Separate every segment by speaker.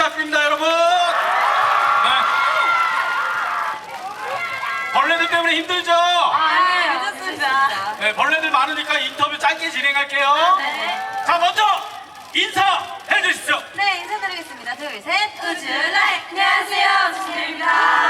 Speaker 1: 부탁드립니다, 여러분. 네. 벌레들 때문에 힘들죠?
Speaker 2: 네, 괜찮습니다.
Speaker 1: 네, 벌레들 많으니까 인터뷰 짧게 진행할게요.
Speaker 2: 네.
Speaker 1: 자, 먼저 인사해 주십시오.
Speaker 2: 네, 인사드리겠습니다. 둘, 셋. 우주라이. 안녕하세요, 우주입니다.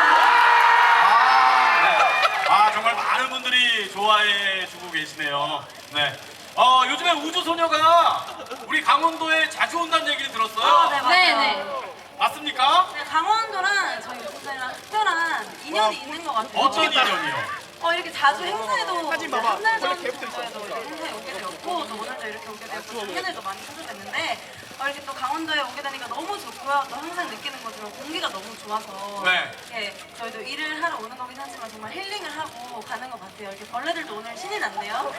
Speaker 1: 아, 정말 많은 분들이 좋아해 주고 계시네요. 네. 요즘에 우주소녀가 우리 강원도에 자주 온다는 얘기를 들었어요.
Speaker 2: 네, 맞아요.
Speaker 1: 맞습니까?
Speaker 2: 네, 강원도랑 저희 우주사랑 특별한 인연이 있는 것 같아요.
Speaker 1: 어떤 인연이요?
Speaker 2: 이렇게 자주 행사에도 한달 전에도 행사에 오게 되었고 또 오늘도 이렇게 오게 되었고 작년에도 많이 찾아뵀는데 이렇게 또 강원도에 오게 되니까 너무 좋고요. 또 항상 느끼는 것처럼 공기가 너무 좋아서
Speaker 1: 네.
Speaker 2: 이렇게 저희도 일을 하러 오는 거긴 하지만 정말 힐링을 하고 가는 것 같아요. 이렇게 벌레들도 오늘 신이 났네요.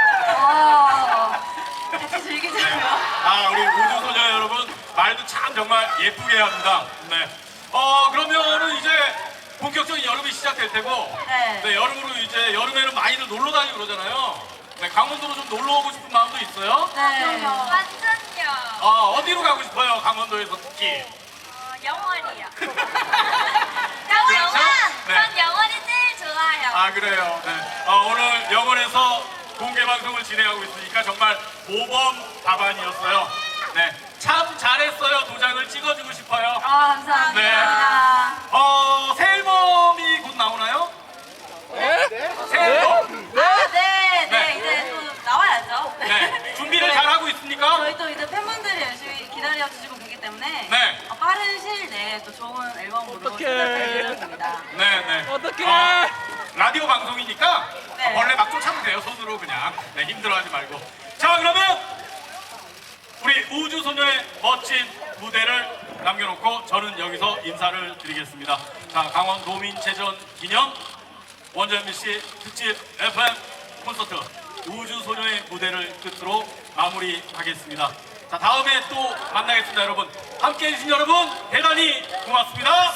Speaker 2: 같이 즐기자고요.
Speaker 1: 아, 우리 우주소녀 여러분 말도 참 정말 예쁘게 합니다. 네. 그러면은 이제 본격적인 여름이 시작될 테고,
Speaker 2: 네.
Speaker 1: 여름으로 이제 여름에는 많이들 놀러 다니고 그러잖아요. 네, 강원도로 좀 놀러 오고 싶은 마음도 있어요?
Speaker 2: 네.
Speaker 3: 완전요.
Speaker 1: 어디로 가고 싶어요? 강원도에서 특히.
Speaker 3: 영원이요.
Speaker 1: 그렇죠?
Speaker 3: 영원.
Speaker 1: 네.
Speaker 3: 전 영원이 제일 좋아요.
Speaker 1: 아, 그래요. 네. 오늘 영원에서 공개 방송을 진행하고 있으니까 정말 모범 답안이었어요. 네. 참 잘했어요. 도장을 찍어주고 싶어요.
Speaker 2: 감사합니다.
Speaker 1: 네. 새 앨범이 곧 나오나요? 새 앨범.
Speaker 2: 네, 이제 또 나와야죠.
Speaker 1: 네. 준비를 잘 하고 있습니까?
Speaker 2: 저희 또 이제 팬분들이 열심히 기다려주시고 계기 때문에
Speaker 1: 네.
Speaker 2: 빠른 시일 내에 또 좋은 앨범으로 찾아뵐 예정입니다.
Speaker 1: 네.
Speaker 4: 어떡해.
Speaker 1: 라디오 방송이니까
Speaker 2: 네.
Speaker 1: 벌레 막 쫓아도 돼요. 손으로 그냥. 네, 힘들어하지 말고. 자, 그러면 우리 우주소녀의 멋진 무대를 남겨놓고 저는 여기서 인사를 드리겠습니다. 자, 강원도민체전 기념 원조 MBC 특집 FM 콘서트 우주소녀의 무대를 끝으로 마무리하겠습니다. 자, 다음에 또 만나겠습니다, 여러분. 함께해 주신 여러분 대단히 고맙습니다.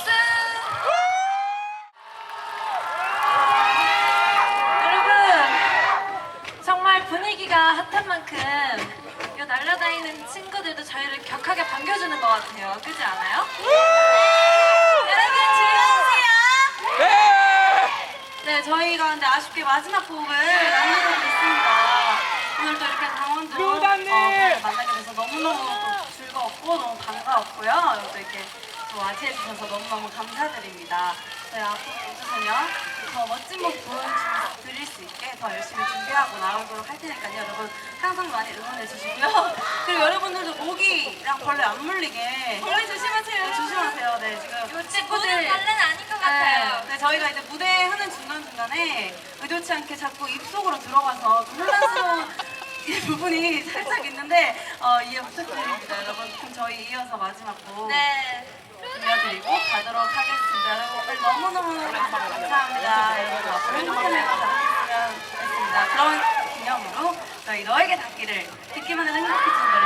Speaker 2: 여러분, 정말 분위기가 핫한 만큼 이 날아다니는 친구들도 저희를 격하게 반겨주는 것 같아요. 그렇지 않아요? 여러분 즐거우세요? 네, 저희가 근데 아쉽게 마지막 곡을 남겨두고 있습니다. 오늘 또 이렇게 강원도 분을 만나게 돼서 너무너무 또 즐거웠고 너무 반가웠고요. 또 이렇게 또 맞이해주셔서 너무너무 감사드립니다. 저희 앞으로 우주소녀 더 멋진 모습 보여드릴 수 있게 더 열심히 준비하고 나오도록 할 테니까요. 여러분 항상 많이 응원해주시고요. 그리고 여러분들도 모기랑 벌레 안 물리게 벌레 조심하세요. 네, 조심하세요. 네, 지금
Speaker 3: 요즘 모든 벌레는 아닌 것 같아요.
Speaker 2: 네, 저희가 이제 무대 하는 중간중간에 의도치 않게 자꾸 입속으로 들어가서 좀 혼란스러운 이 부분이 살짝 있는데 이해 부탁드립니다, 여러분. 그럼 저희 이어서 마지막 곡
Speaker 3: 네.
Speaker 2: 들려드리고 가도록 하겠습니다. 여러분 오늘 너무너무 감사합니다. 여러분 앞으로 행복한 날과 닿았으면 좋겠습니다. 그런 기념으로 저희 너에게 닿기를 듣기만 해도 행복해지는 노래